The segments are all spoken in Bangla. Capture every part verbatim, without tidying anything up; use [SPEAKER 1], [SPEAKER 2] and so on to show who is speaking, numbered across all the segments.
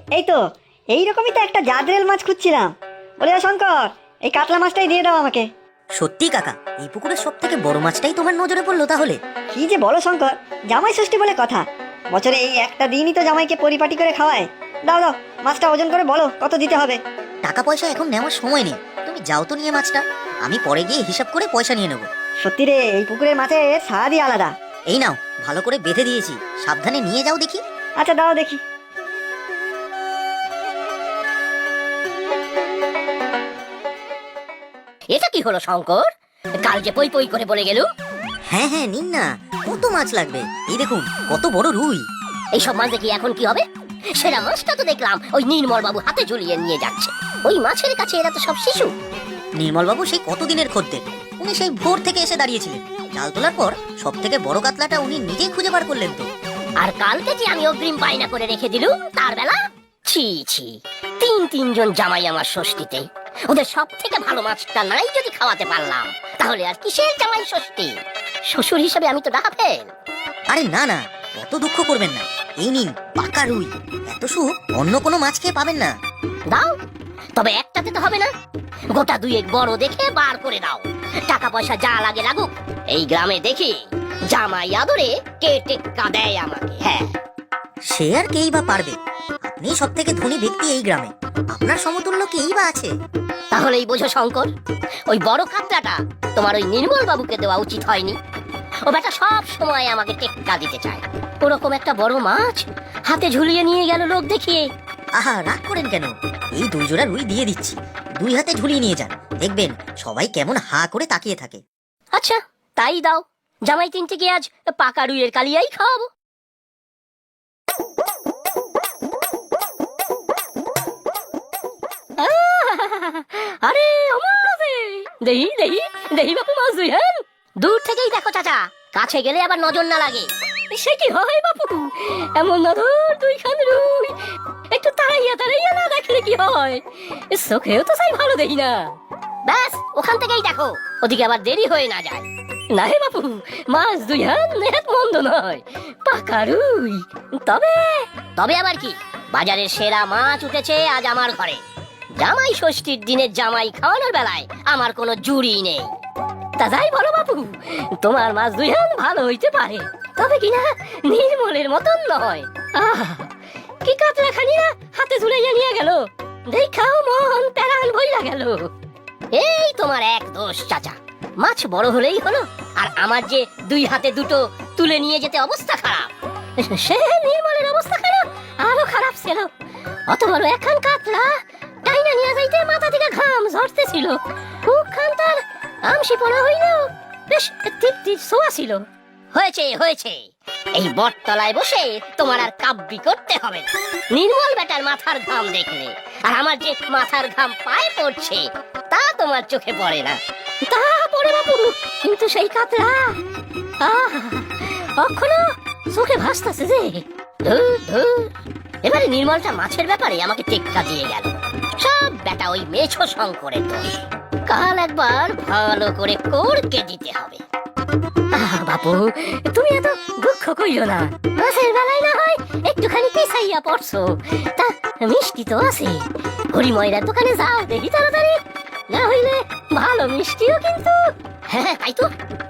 [SPEAKER 1] এই তো এইরকমই তো একটা জাদরেল মাছ খুঁজছিলাম। বলে ও শঙ্কর, এই কাতলা মাছটাই দিয়ে দাও আমাকে।
[SPEAKER 2] সত্যি কাকা, এই পুকুরের সব থেকে বড় মাছটাই তোমার নজরে পড়লো তাহলে?
[SPEAKER 1] কি যে বলো শঙ্কর, জামাই ষষ্ঠী বলে কথা, বছরে এই একটা দিনই তো জামাইকে পরিপাটি করে খাওয়ায়। দাও দাও, মাছটা ওজন করে বলো কত দিতে হবে।
[SPEAKER 2] টাকা পয়সা এখন নেওয়ার সময় নেই, তুমি যাও তো নিয়ে মাছটা, আমি পরে গিয়ে হিসাব করে পয়সা নিয়ে নেবো।
[SPEAKER 1] সত্যি রে, এই পুকুরের মাছের স্বাদই আলাদা।
[SPEAKER 2] এই নাও, ভালো করে বেঁধে দিয়েছি, সাবধানে নিয়ে যাও দেখি।
[SPEAKER 1] আচ্ছা দাও দেখি।
[SPEAKER 3] এটা কি হলো শঙ্কর? কাল যে পই পই করে বলে গেল।
[SPEAKER 2] হ্যাঁ হ্যাঁ, নিন না, কত মাছ লাগবে, এই দেখুন কত বড় রুই।
[SPEAKER 3] এইসব মাছ দেখি এখন কি হবে? সেরা মাছটা তো দেখলাম ওই নির্মল বাবু হাতে ঝুলিয়ে নিয়ে যাচ্ছে। ওই মাছের কাছে এরা তো সব শিশু।
[SPEAKER 2] নির্মল বাবু সেই কতদিনের খদ্দের, উনি সেই ভোর থেকে এসে দাঁড়িয়েছিলেন। জাল তোলার পর সব থেকে বড় কাতলাটা উনি নিজেই খুঁজে বার করলেন তো।
[SPEAKER 3] আর কালকে যে আমি অগ্রিম বায়না করে রেখে দিলুম তার বেলা, ছি ছি, তিন তিনজন জামাই আমার ষষ্ঠীতে, ওদের সব থেকে ভালো মাছটা নাই যদি খাওয়াতে পারলাম, তাহলে আর কিসের জামাই ষষ্ঠী? শ্বশুর হিসেবে আমি তো ডাকা ফেল।
[SPEAKER 2] আরে না না, অত দুঃখ করবেন না, এই নিন পাকা রুই, এত সুখ অন্য কোনো মাছ খেয়ে পাবেন না।
[SPEAKER 3] দাও, তবে একটাতে তো হবে না, গোটা দুয়েক বড় দেখে বার করে দাও। টাকা পয়সা যা লাগে লাগুক, এই গ্রামে দেখি জামাই আদরে কে টেক্কা দেয় আমাকে। হ্যাঁ,
[SPEAKER 2] সে আর কেই বা পারবে, আপনি সব থেকে ধনী ব্যক্তি এই গ্রামে, আপনার সমতুল্য কেই বা আছে?
[SPEAKER 3] তাহলেই বোঝো শঙ্কর, ওই বড় কাতলাটা তোমার ওই নির্মল বাবুকে দেওয়া উচিত হয়নি। ও বেটা সব সময় আমাকে টেক্কা দিতে চায়। ওরকম একটা বড় মাছ হাতে ঝুলিয়ে নিয়ে গেল লোক দেখিয়ে।
[SPEAKER 2] আহা, রাগ করেন কেন, এই দুই জোড়া রুই দিয়ে দিচ্ছি, দুই হাতে ঝুলিয়ে নিয়ে যান, দেখবেন সবাই কেমন হা করে তাকিয়ে থাকে।
[SPEAKER 3] আচ্ছা তাই দাও, জামাই তিনটিকে আজ পাকা রুইয়ের কালিয়াই খাওয়াবো। আরে দেহি দেহি দেহি বাপু মাছ দুই। হ্যাঁ, দূর থেকেই দেখো চাচা, কাছে গেলে আবার নজর না লাগে। সে কি হয় বাপু, এমন নজর দুইখান রুই, একটু তাড়াইয়া তাড়াইয়া না দেখলে কি হয়? চোখেও তো চাই ভালো দেখি না। ব্যাস ওখান থেকেই দেখো, ওদিকে আবার দেরি হয়ে না যায়। না হে বাপু, মাছ দুই হান নেহাত মন্দ নয়, পাকা রুই। তবে তবে আবার কি, বাজারের সেরা মাছ উঠেছে আজ আমার ঘরে। জামাই ষষ্ঠীর দিনের জামাই খাওয়ানোর বেলায় আমার কোনো জুড়ি নেই। তা যাই বলো বাপু, তোমার মাছ দুই হান ভালো হইতে পারে, তবে কিনা নির্মলের মতন নয়। আহ, কি কাতলা খানিয়া হাতে ঝুলাইয়া নিয়ে গেল, দেখাও মন প্যারান বইলা গেল। এই তোমার এক দোষ চাচা, মাছ বড় হলেই হলো, আর আমার যে দুই হাতে দুটো তুলে নিয়ে যেতে অবস্থা খারাপ। সে নির্মলের অবস্থা খারাপ, আরো খারাপ ছিল। অত বড় একখান কাতলা টাইনা নিয়ে যাইতে মাথা থেকে ঘাম ঝরতেছিল, মুখখান তার আমসি পড়া হইলেও বেশ তৃপ্তির ছোঁয়া ছিল। হয়েছে হয়েছে, এই বটতলায় বসে তোমার আর কাব্যি করতে হবে না। নির্মল বেটার মাথার ঘাম দেখলে আর আমার যে মাথার ঘাম পায়ে পড়ছে তা তোমার চোখে পড়ে না। তা পড়ে বাপু, কিন্তু সেই কাতলা আহা এখনো চোখে ভাসতেছে যে। ধুর ধুর, এবারে নির্মলটা মাছের ব্যাপারে আমাকে টেক্কা দিয়ে গেল। সব বেটা ওই মেছো শঙ্করের দোষ। কাল একবার ভালো করে করকে দিতে হবে। আহ বাপু, তুমি এত দুঃখ কইও না, মাছের বেলায় না হয় একটুখানি পিছাইয়া পড়ছো, তা মিষ্টি তো আছে। হরিময়রার দোকানে যাও দেখি তাড়াতাড়ি, না হইলে ভালো মিষ্টিও কিন্তু। হ্যাঁ তাই তো।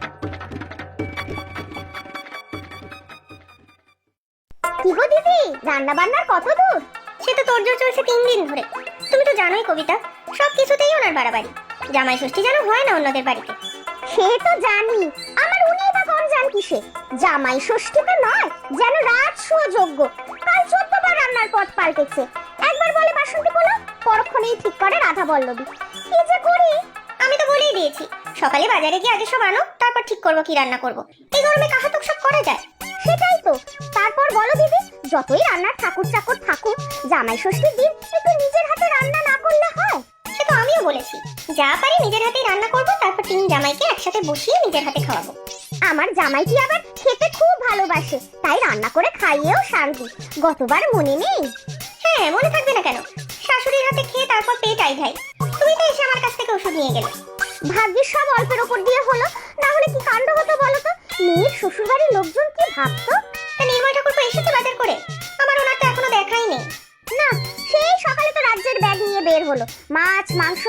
[SPEAKER 4] কি গো দিদি, রান্না বান্নার কত দূর? সে তো তোরজোর চলছে তিন দিন ধরে। তুমি তো জানোই কবিতা, সব কিছুতেই ওনার বাড়াবাড়ি। জামাই ষষ্ঠী যেন হয় না অন্যদের বাড়িতে। সে তো জানি, আমার উনি বা কোন জান কিসে? জামাই ষষ্ঠী তো নয়, যেন রাত সুযোগ্য। কাল চোদ্দ বার রান্নার পথ পাল্টেছে। একবার বলে বাসন্তী পোলা, পরক্ষণেই ঠিক করে রাধা বল্লবী। কি যে করি! আমি তো বলেই দিয়েছি, সকালে বাজারে গিয়ে আগে সব আনো, তারপর ঠিক করবো কি রান্না করবো। এই গরমে কাহাতুক সব করা যায়? সেটাই তো। তারপর বলো দিদি, যতই রান্নার ঠাকুর চাকর থাকুক, জামাই ষষ্ঠীর দিন একটু নিজের হাতে রান্না না করলে হয়? সে তো আমিও বলেছি, যা পারি নিজের হাতেই রান্না করবো, তারপর তিন জামাইকে একসাথে বসিয়ে নিজের হাতে খাওয়াবো। আমার জামাইটি আবার খেতে খুব ভালোবাসে, তাই রান্না করে খাইয়েও শান্তি। গতবার মনে নেই? হ্যাঁ, মনে থাকবে না কেন? শাশুড়ির হাতে খেয়ে তারপর পেট আইধাই। তুমি তো এসে আমার কাছ থেকে ওষুধ নিয়ে গেলে। ভাগ্যের সব অল্পের ওপর দিয়ে হলো, না হলে কি কাণ্ড হতো বলো তো? মেয়ের শ্বশুরবাড়ির লোকজন কি ভাবতো? নির্মল ঠাকুর এসেছে বাজার করে, আমার ওনার তো এখনো দেখাই নেই। না,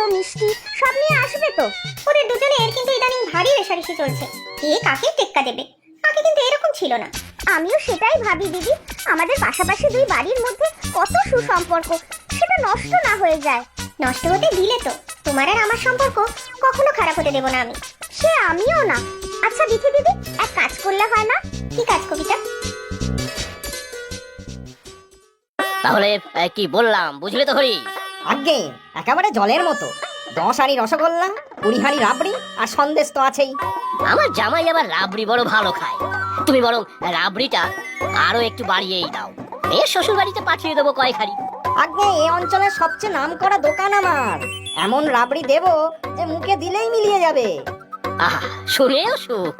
[SPEAKER 4] মিষ্টি সব নিয়ে আসবে তো। ওদের দুজনের কিন্তু ইদানিং ভারী রেশারেশি চলছে, কে কাকে টেক্কা দেবে। আগে কিন্তু এরকম ছিল না। আমিও সেটাই ভাবি দিদি, আমাদের পাশাপাশি দুই বাড়ির মধ্যে কত সুসম্পর্ক, সেটা নষ্ট না হয়ে যায়। নষ্ট হতে দিলে তো তোমার আর আমার সম্পর্ক কখনো খারাপ হতে দেব না আমি। সে আমিও না। আচ্ছা দিদি দিদি, এক কাজ করলে হয় না? কি কাজ কবিতা?
[SPEAKER 3] তাহলে এ, কি বললাম বুঝলে তো হরি?
[SPEAKER 2] আগে একেবারে জলের মতো। দশ হাঁড়ি রসগোল্লা, কুড়ি হাঁড়ি রাবড়ি আর সন্দেশ তো আছেই।
[SPEAKER 3] আমার জামাই আবার রাবড়ি বড় ভালো খায়। তুমি বরং রাবড়িটা আরো একটু বাড়িয়েই দাও। মেয়ের শ্বশুর বাড়িতে পাঠিয়ে দেবো কয়েক হাঁড়ি।
[SPEAKER 2] আগে এই অঞ্চলের সবচেয়ে নামকরা দোকান আমার। এমন রাবড়ি দেবো যে মুখে দিলেই মিলিয়ে যাবে।
[SPEAKER 3] আহা, শুনেও সুখ।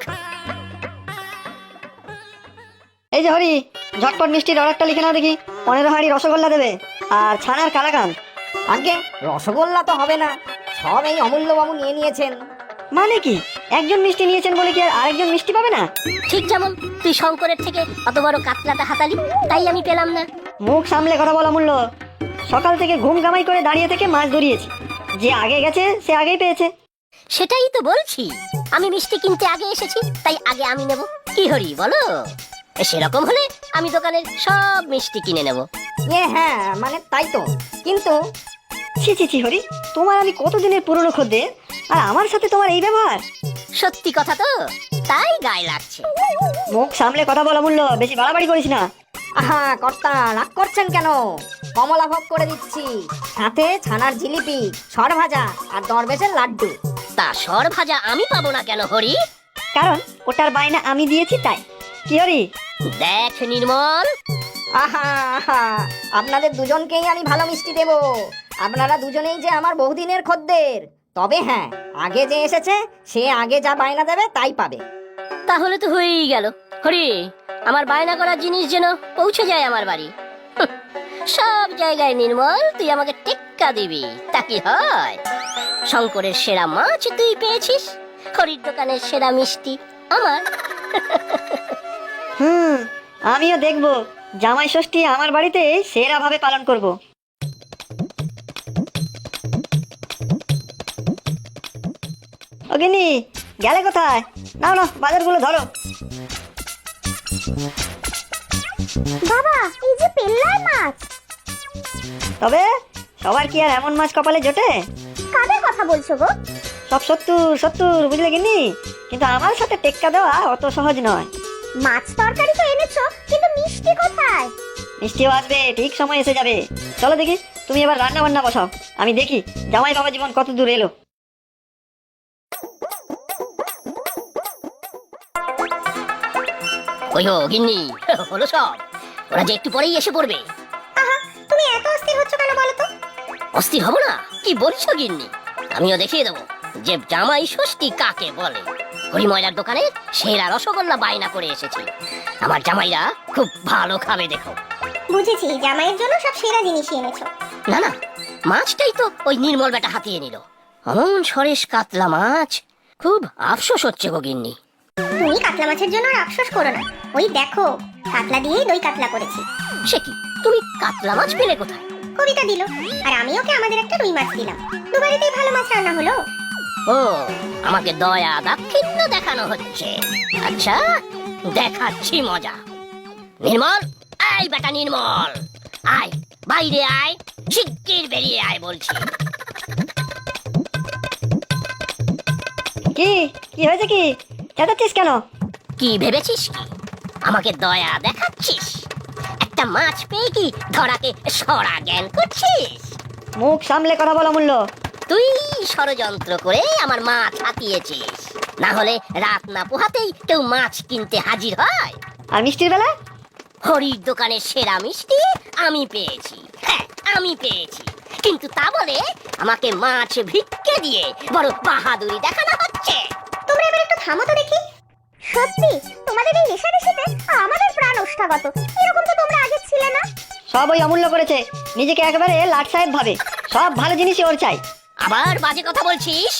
[SPEAKER 1] এই যে হরি, ঝটপট মিষ্টির অর্ডারটা লিখে নাও দেখি। পনেরো হাঁড়ি রসগোল্লা দেবে আর ছানার কালাকান।
[SPEAKER 2] আগে রসগোল্লা তো হবে না, সব এই অমূল্যবাবু নিয়ে নিয়েছেন।
[SPEAKER 1] মানে কি, একজন মিষ্টি নিয়েছেন বলে কি আর আরেকজন মিষ্টি পাবে না?
[SPEAKER 3] ঠিক যেমন তুই শঙ্করের থেকে অত বড় কাতলাটা হাতালি, তাই আমি পেলাম না।
[SPEAKER 1] মুখ সামলে কথা বলা মূল্য। সকাল থেকে ঘুম কামাই করে দাঁড়িয়ে থেকে মাছ ধরিয়েছি, যে আগে গেছে সে আগেই পেয়েছে।
[SPEAKER 3] সেটাই তো বলছি, আমি মিষ্টি কিনতে আগে এসেছি, তাই আগে আমি নেব। কি হরি বলো? এ, সেরকম হলে আমি দোকানের সব মিষ্টি কিনে নেব।
[SPEAKER 2] এ হ্যাঁ, মানে তাই তো। কিন্তু
[SPEAKER 1] ছি ছি ছি হরি, তোমার আমি কতদিনের পুরনো খদ্দের, আর আমার সাথে তোমার এই ব্যবহার।
[SPEAKER 3] সত্যি কথা তো, তাই গায়ে লাগছে।
[SPEAKER 1] মুখ সামলে কথা বলা মূল্য, বেশি বাড়াবাড়ি করিস না।
[SPEAKER 2] আহা কর্তা, রাগ করছেন কেন? কমলা ভোগ করে দিচ্ছি, সাথে ছানার জিলিপি, সর ভাজা আর দরবেশের লাড্ডু।
[SPEAKER 3] তা সর ভাজা আমি পাবো না কেন হরি?
[SPEAKER 1] কারণ ওটার বায়না আমি দিয়েছি তাই। কি হরি?
[SPEAKER 3] দেখ নির্মল,
[SPEAKER 2] আহা আহা, আপনাদের দুজনকেই আমি ভালো মিষ্টি দেব। আপনারা দুজনেই যে আমার বহুদিনের খদ্দের। তবে হ্যাঁ, আগে যে এসেছে সে আগে যা বায়না দেবে তাই পাবে।
[SPEAKER 3] তাহলে তো হয়েই গেল। হরি, আমার বায়না করার জিনিস যেন পৌঁছে যায় আমার বাড়ি। হুঁ, সব জায়গায় নির্মল তুই আমাকে টেক্কা দিবি, তা কি হয়? শঙ্করের সেরা মাছ তুই পেয়েছিস, হরির দোকানের সেরা মিষ্টি আমার।
[SPEAKER 1] হুম, আমিও দেখবো জামাই ষষ্ঠী আমার বাড়িতে সেরা ভাবে পালন করব। অগিনি, গেলে কোথায়? নাও না, বাজারগুলো ধরো।
[SPEAKER 4] বাবা, এই যে পেল্লার মাছ।
[SPEAKER 1] তবে সবার কি আর এমন মাছ কপালে জোটে?
[SPEAKER 4] কাদের কথা বলছো গো?
[SPEAKER 1] সব সত্তর সত্তর, বুঝলে গিন্নি? কিন্তু আমার সাথে টেক্কা দেওয়া অত সহজ নয়।
[SPEAKER 4] মাছ তরকারি তো এনেছো, কিন্তু মিষ্টি কোথায়?
[SPEAKER 1] মিষ্টিও আসবে, ঠিক সময় এসে যাবে। চলো দেখি, তুমি এবার রান্না বান্না বসাও, আমি দেখি জামাই বাবা জীবন কত দূর এলো।
[SPEAKER 3] ওই হো গিন্নি, হলো সব। ওরা যে একটু পরেই এসে পড়বে।
[SPEAKER 4] আহা, তুমি এত অস্থির হচ্ছ কেন বলো তো?
[SPEAKER 3] অস্থির হব না? কি বলছো গিন্নি? আমিও দেখিয়ে দেবো যে জামাই ষষ্ঠী কাকে বলে। হরিময়লার দোকানে সেরা রসগোল্লা বায়না করে এসেছি। আমার জামাইরা খুব ভালো খাবে, দেখো।
[SPEAKER 4] বুঝেছি, জামাইয়ের জন্য সব সেরা জিনিসই এনেছো।
[SPEAKER 3] না না, মাছটাই তো ওই নির্মল বেটা হাতিয়ে নিল। অমন সরেশ কাতলা মাছ, খুব আফসোস হচ্ছে গো গিন্নি।
[SPEAKER 4] তুমি কাতলা মাছের জন্য আর আফসোস করো না। ওই দেখো, কাতলা দিয়েই দই কাতলা করেছি।
[SPEAKER 3] সে কি, তুমি কাতলা মাছ পেলে কোথায়?
[SPEAKER 4] কবিতা দিল, আর আমি ওকে আমাদের একটা রুই মাছ দিলাম। দুবারিতেই ভালো মাছ রান্না হলো।
[SPEAKER 3] ও, আমাকে দয়া দাক্ষিণ্য দেখানো হচ্ছে। আচ্ছা, দেখাচ্ছি মজা। নির্মল, আয় বেটা নির্মল, আয় বাইরে আয়, শিগগির বেরিয়ে আয় বলছি।
[SPEAKER 1] কি কি হয়েছে? কি চেঁচাচ্ছিস কেন?
[SPEAKER 3] কি ভেবেছিস কি আমাকে দয়া দেখাচ্ছিস? একটা মাছ পেয়ে কি ধরাকে সরা জ্ঞান করছিস?
[SPEAKER 1] মুখ সামলে কথা বলা মূল্য।
[SPEAKER 3] তুই ষড়যন্ত্র করে আমার মাছ হাতিয়েছিস, না হলে রাত না পোহাতেই কেউ মাছ কিনতে হাজির হয়।
[SPEAKER 1] আর মিষ্টির বেলা?
[SPEAKER 3] হরির দোকানের সেরা মিষ্টি আমি পেয়েছি, হ্যাঁ আমি পেয়েছি। কিন্তু তা বলে আমাকে মাছ ভিক্ষে দিয়ে বড় বাহাদুরি দেখানো হচ্ছে।
[SPEAKER 4] তোমরা এবার একটু থামো তো দেখি। সত্যি তোমাদের এই রেশারেশিতে আমাদের প্রাণ ওষ্ঠাগত। এরকম তো তোমরা আগে ছিলে না।
[SPEAKER 1] সব ওই অমূল্য করেছে, নিজেকে একেবারে লাট সাহেব ভাবে। সব ভালো জিনিসই ওর চাই।
[SPEAKER 3] আবার বাজে কথা বলছিস?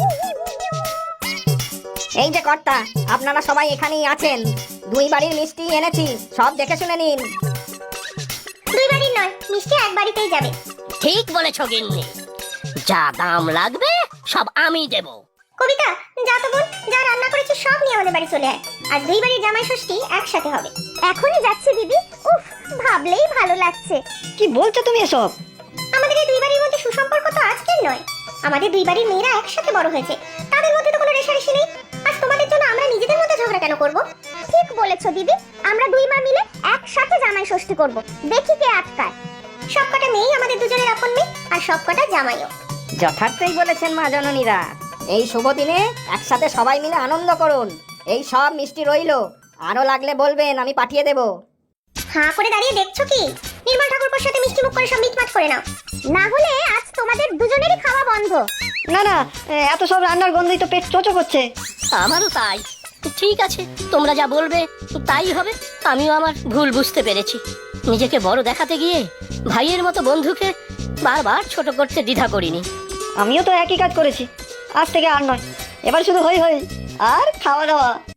[SPEAKER 2] এই যে কর্তা, আপনারা সবাই এখানেই আছেন। দুই বাড়ির মিষ্টি এনেছি, সব দেখে শুনে নিন।
[SPEAKER 4] দুই বাড়ির নয়, মিষ্টি এক বাড়িতেই যাবে।
[SPEAKER 3] ঠিক বলেছ গিন্নি। যা দাম লাগবে সব আমি দেব।
[SPEAKER 4] কবিতা, যা তো বোন, যা রান্না করেছিস সব নিয়ে আমাদের বাড়ি চলে আয়। আজ দুই বাড়ির জামাই ষষ্ঠী একসাথে হবে। এখনই যাচ্ছে দিদি। উফ, ভাবলেই ভালো লাগছে।
[SPEAKER 1] কি বলছো তুমি এসব?
[SPEAKER 4] আমাদের এই দুই বাড়ির মধ্যে সুসম্পর্ক তো আজকের নয়। আমাদের দুই বাড়ির মেয়েরা একসাথে বড় হয়েছে, তাদের মধ্যে তো কোনো রেষারেষি নেই। আজ তোমাদের জন্য আমরা নিজেদের মধ্যে ঝগড়া কেন করব? ঠিক বলেছো দিদি, আমরা দুই মা মিলে একসাথে জামাই ষষ্ঠী করব, দেখি কে আটকায়। সবকটা মেয়েই আমাদের দুজনের আপন মেয়ে, আর সবকটা জামাইও।
[SPEAKER 2] যথার্থই বলেছেন মা জননীরা। এই শুভ দিনে একসাথে সবাই মিলে আনন্দ করুন। এই সব মিষ্টি রইলো, আরো লাগলে বলবেন, আমি পাঠিয়ে দেব।
[SPEAKER 4] হাঁ করে দাঁড়িয়ে দেখছো কি? নির্মল ঠাকুরপোর সাথে মিষ্টি মুখ করে সব মিটমাট করে নাও, না হলে আজ তোমাদের দুজনেরই খাওয়া বন্ধ।
[SPEAKER 1] না না, এত সব রান্নার গন্ধই তো পেট চোচো করছে।
[SPEAKER 3] আমারও তাই। ঠিক আছে, তোমরা যা বলবে তাই হবে। আমিও আমার ভুল বুঝতে পেরেছি। নিজেকে বড় দেখাতে গিয়ে ভাইয়ের মতো বন্ধুকে বারবার ছোট করতে দ্বিধা করিনি।
[SPEAKER 1] আমিও তো একই কাজ করেছি। আজ থেকে আর নয়, এবার শুধু হই হই আর খাওয়া দাওয়া।